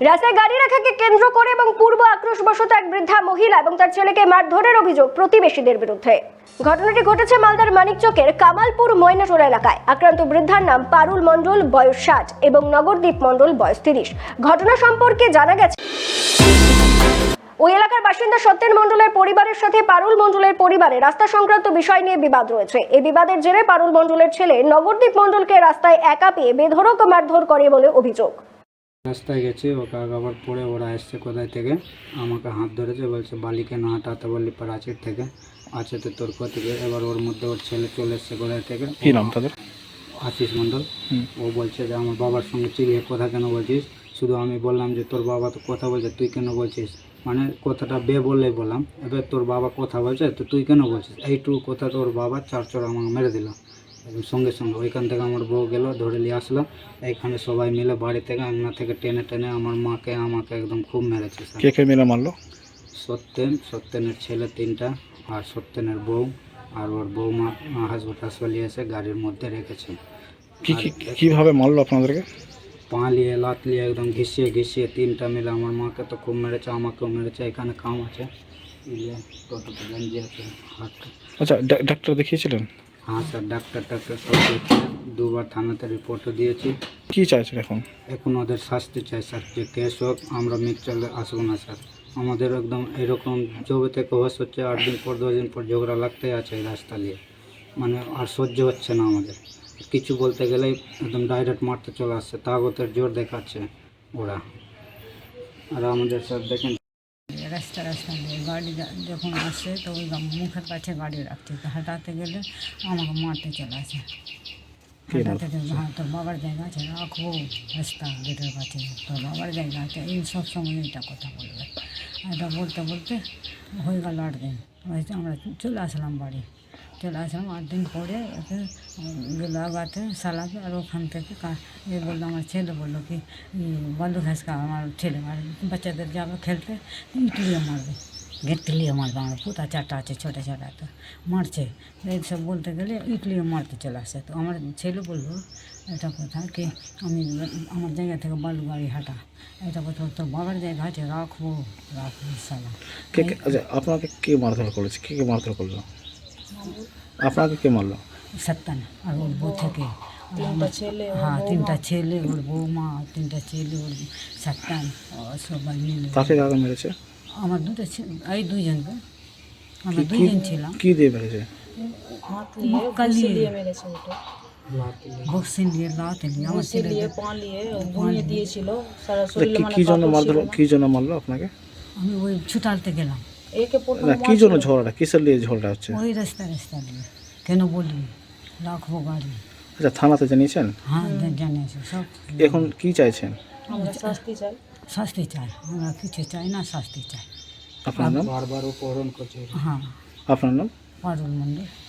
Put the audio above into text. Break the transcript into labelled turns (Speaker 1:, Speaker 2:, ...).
Speaker 1: রাস্তায় গাড়ি রাখাকে কেন্দ্র করে এবং পূর্ব আক্রোশবশত এক বৃদ্ধা মহিলা এবং তার ছেলেকে মারধরের অভিযোগ প্রতিবেশীদের বিরুদ্ধে। ঘটনাটি ঘটেছে মালদার মানিকচকের কামালপুর ময়নাটোলা এলাকায়। আক্রান্ত বৃদ্ধার নাম পারুল মণ্ডল, বয়স 60 এবং নগরদীপ মণ্ডল, বয়স 30। ঘটনা সম্পর্কে জানা গেছে, ওই এলাকার বাসিন্দা সত্যেন মণ্ডলের পরিবারের সাথে পারুল মণ্ডলের পরিবারে রাস্তা সংক্রান্ত বিষয় নিয়ে বিবাদ রয়েছে। এই বিবাদের জেরে পারুল মণ্ডলের ছেলে নগরদীপ মণ্ডলকে রাস্তায় একা পেয়ে বেধড়ক মারধর করে বলে অভিযোগ।
Speaker 2: রাস্তায় গেছি, ওকে আবার পরে ওরা এসছে কোথায় থেকে, আমাকে হাত ধরেছে, বলছে বালি কেন হাঁটাতে বললি প্রাচীর থেকে, আছে তো তোর থেকে। এবার ওর মধ্যে ওর ছেলে চলে এসছে কোথায় থেকে,
Speaker 3: কি নাম তাদের?
Speaker 2: আশিস মণ্ডল। ও বলছে যে আমার বাবার সঙ্গে চিড়িয়ে কথা কেন বলছিস। শুধু আমি বললাম যে তোর বাবা তো কথা বলছে, তুই কেন বলছিস, মানে কথাটা বললেই বললাম। এবার তোর বাবা কথা বলছে তো তুই কেন বলছিস, এইটুকু কথা তোর বাবা 4 চড় আমাকে মেরে দিল সঙ্গে সঙ্গে। ওইখান থেকে আমার বউ গেল, ধরে নিয়ে আসলো। এইখানে সবাই মিলে বাড়ি থেকে আঙনা থেকে টেনে টেনে আমার মাকে আমাকে একদম খুব মেরেছে।
Speaker 3: কে কে মিলে মারলো?
Speaker 2: সত্যেনের ছেলে 3টা, আর সত্যেনের বউ আর ওর বৌমা হাসপাতালে এসে গাড়ির মধ্যে রেখেছে।
Speaker 3: কিভাবে মারলো আপনাদেরকে?
Speaker 2: পা লিয়ে লাত লিয়ে একদম ঘিসিয়ে 3টা মিলে আমার মাকে তো খুব মেরেছে, আমাকেও মেরেছে। এখানে কাম আছে, টোটোতে গঞ্জি আছে, হাতটা।
Speaker 3: আচ্ছা, ডাক্তার দেখিয়েছিলেন?
Speaker 2: হ্যাঁ স্যার, ডাক্তার সব দেখছে, 2বার থানাতে রিপোর্টও দিয়েছি।
Speaker 3: কি চাইছেন এখন?
Speaker 2: এখন ওদের শাস্তি চাই স্যার, যে কেস হোক, আমরা মিক্সচারে আসবো না স্যার। আমাদের একদম এরকম জবে থেকে হোস হচ্ছে, 8 দিন পর 10 দিন পর ঝগড়া লাগতেই আছে এই রাস্তা নিয়ে, মানে আর সহ্য হচ্ছে না আমাদের। কিছু বলতে গেলেই একদম ডাইরেক্ট মারতে চলে আসছে, তাগতের জোর দেখাচ্ছে ওরা। আর আমাদের স্যার দেখেন
Speaker 4: রাস্তা দিয়ে গাড়ি যখন আসে তো ওই মুখের কাছে গাড়ি রাখছে, হাঁটাতে গেলে আমাকে মারতে চলে আসে। হাঁটাতে গেলে হ্যাঁ তোর বাবার জায়গা আছে, রাখবো রাস্তা গেটের কাছে, তোর বাবার জায়গা আছে, এই সব সময় এটা কথা বলবে। এটা বলতে বলতে হয়ে গেল 8 দিন। আমরা চলে আসলাম বাড়ি, চলে আসলাম 8 দিন পরে একে গেলো আগাতে সালাতে। আর ওখান থেকে এ বললো, আমার ছেলে বললো কি বন্ধু ঘাসকা, আমার ছেলে আর বাচ্চাদের যাবে খেলতে, ইটলিয়ে মারবে, গেটলিয়ে মারবে, আমার পুতা 4টা আছে ছোটো ছোটো, তো মারছে। এইসব বলতে গেলে ইটলিয়ে মারতে চলে আসে। তো আমার ছেলে বললো এটা কথা কি আমি আমার জায়গা থেকে বালু গাড়ি হাঁটা, এটা কথা তোর বাবার জায়গা আছে, রাখবো সালা।
Speaker 3: আচ্ছা, আপনাকে কে মারধর করেছে? কে মারধর করলো আপনাকে? কে মারলো?
Speaker 4: সত্তন আর ওর বউ থেকে 3টা ছেলে, ওর বৌমা, 3টা ছেলে, ওর সত্তন, সবাই মিলে।
Speaker 3: কাকে মেরেছে?
Speaker 4: আমার 2টা এই 2জনকে, আমরা 2জন ছিলাম।
Speaker 3: কি দিয়ে মেরেছে?
Speaker 4: বক্সিং দিয়ে লাতে নিয়ে আমার ছেলে
Speaker 5: দিয়েছিল।
Speaker 3: কি জন্য মারলো আপনাকে?
Speaker 4: আমি ওই ছুটালতে গেলাম।
Speaker 3: না, কি জন্য ঝগড়াটা, কিসের নিয়ে ঝগড়া হচ্ছে?
Speaker 4: ওই রাস্তা দিয়ে কেন বলি রাখবো গাড়ি।
Speaker 3: আচ্ছা, থানাতে জানিয়েছেন?
Speaker 4: হ্যাঁ জানিয়েছি সব।
Speaker 3: এখন কি চাইছেন?
Speaker 5: আমরা
Speaker 4: শাস্তি চাই, আমরা কিছু চাই না, শাস্তি চাই।
Speaker 3: আপনার নাম?
Speaker 2: বারবার উপহরণ করছে।
Speaker 4: হ্যাঁ,
Speaker 3: আপনার নাম?
Speaker 4: পারুল মণ্ডল।